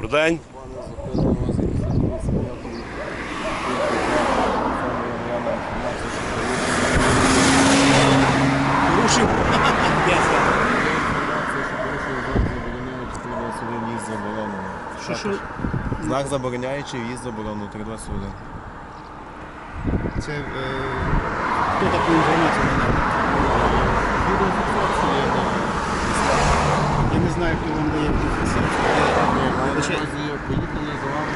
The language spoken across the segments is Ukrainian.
Добрий день. Порушив. Що? Знак забороняючий, в'їзд заборонено, 321. Це хто таку інформацію надав? Я не знаю, хто вам дає інформацію. Поїхали за вами,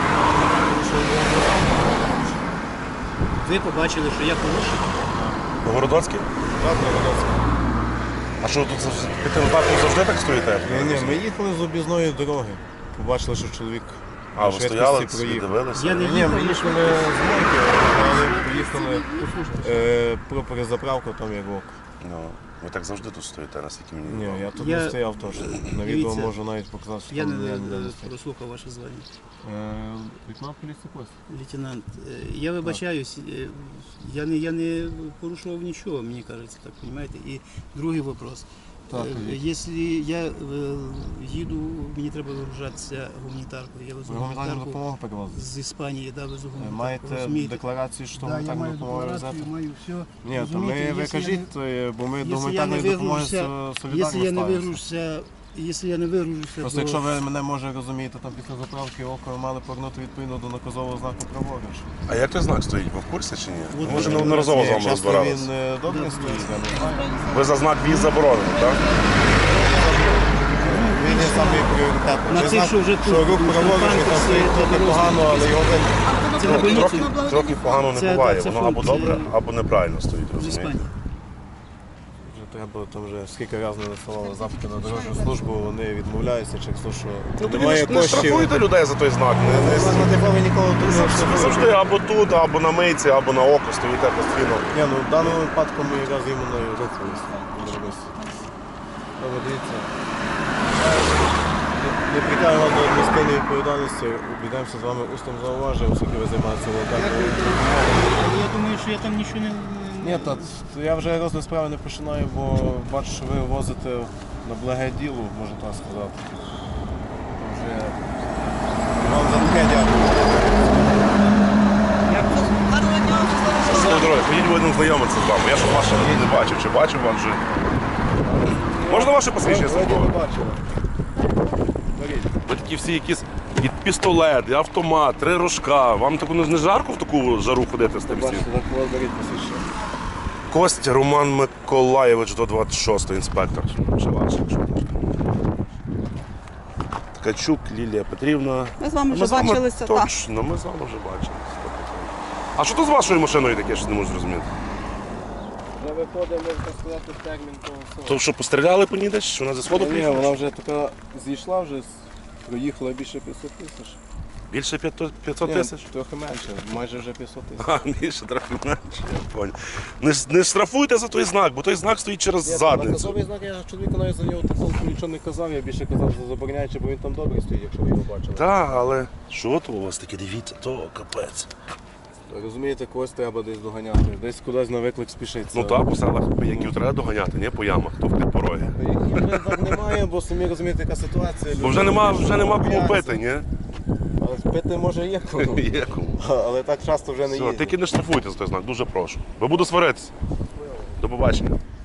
Ви побачили, що я порушив? Городоцький? Так, Городоцький. А що тут під тим знаком завжди так стоїте? Ні, ми їхали з об'їзної дороги. Побачили, що чоловік А, ви швидкості стояли, проїхав. дивилися? Я не Ні, ми їхав, їхали з Мойки, але поїхали про перезаправку, там як ок. Ну, ви так завжди тут стоїте, наскільки мені Ні, відомо. я тут Я- не стояв теж. На відео Дивіться, можу навіть показати, що Я там не я ніде не стояв. прослухав ваше звання. Лейтенант поліції Кость. Лейтенант, я вибачаюсь, я не порушував нічого, мені кажеться, так, розумієте? І другий вопрос. Так, Якщо я їду, мені треба вигружатися гуманітаркою. Я везу Ви гуманітарну гуманітарку допомогу перевозите? з Іспанії, да, везу гуманітарку. Маєте розумієте? декларацію, що Да, я гуманітарну маю допомогу декларацію, везете? маю все. Ні, то Розумієте, ви якщо я кажіть, бо ми до Якщо я не гуманітарної допомоги вигружуся, солідарно якщо я не ставимося. вигружуся, якщо я не вигружуся, Просто якщо ви мене, може, розумієте, там після заправки око ви мали повернути відповідно до наказового знаку праворуч. А як той знак стоїть? Ви в курсі чи ні? От Може, ви- неодноразово з вами Часто розбиралися. він добре стоїть, я не знаю. Ви за знак в'їзд заборонений, так? Він є самий пріоритетний. На Той тих, знак, що вже тут, що рух у праворуч, він там Франківську, стоїть трохи це погано, але його видно. це на больницю Трохи погано не Це- буває. це Воно або функція- добре, або неправильно стоїть, з розумієте? Іспанії. Вже треба, там вже скільки разів не насилали запити на дорожню службу, вони відмовляються через те, що Ну тоді немає не коштів. штрафуйте людей за той знак. Ви ніколи тут не Ви завжди або тут, або на мийці, або на око стоїте постійно. Ні, ну в даному випадку ми якраз іменно і рухалися. Добре, дивіться. Не притягуємо до адміністративної відповідальності, обійдемося з вами устом зауваження, оскільки ви займаєтеся волонтерською. Я думаю, що я там нічого не... Ні, я вже розгляд справи не починаю, бо бачу, що ви возите на благе діло, можна так сказати. Вже... Вам за таке дякую. Ну, дорогі, ходіть будемо знайомитися з вами. Я ж ваше не бачив. Чи бачив вам вже? Можна ваше посвідчення Вроді службове? не бачили. Беріть. Ви такі всі якісь і пістолет, і автомат, 3 рожка. Вам таку не жарко в таку жару ходити з тим всім? Бачите, так у вас беріть посвідчення. Костя Роман Миколаєвич до 26-го, інспектор. Ще ваш, якщо можна. Ткачук Лілія Петрівна. Ми з вами вже Ми з вами бачилися, так. Точно, ми з вами вже бачилися. А що тут з вашою машиною таке, що не можу зрозуміти? Вже виходимо, можна сказати, термін того всього. То що, постріляли по ній десь? Що вона зі сходу Ні, приїхала? вона вже така зійшла, вже проїхала більше 500 тисяч. Більше 500 Ні, тисяч? трохи менше, майже вже 500 тисяч. А, більше, трохи менше, я понял. Не штрафуйте за той знак, бо той знак стоїть через задницю. Наказовий знак, я чоловіку навіть за нього такого нічого не казав, я більше казав за забороняючи, бо він там добре стоїть, якщо ви його бачили. Так, але що то у вас таке, дивіться, то капець. Розумієте, когось треба десь доганяти, десь кудись на виклик спішиться. Ну так, по селах пияків треба доганяти, не по ямах, то в ті пороги. Яких вже так немає, бо самі розумієте, яка ситуація. Бо вже нема кому пити, ні? Але пити може є кому. Є кому. Але так часто вже не Все, їздять. тільки не штрафуйте за той знак, дуже прошу. Бо буду сваритися. До побачення.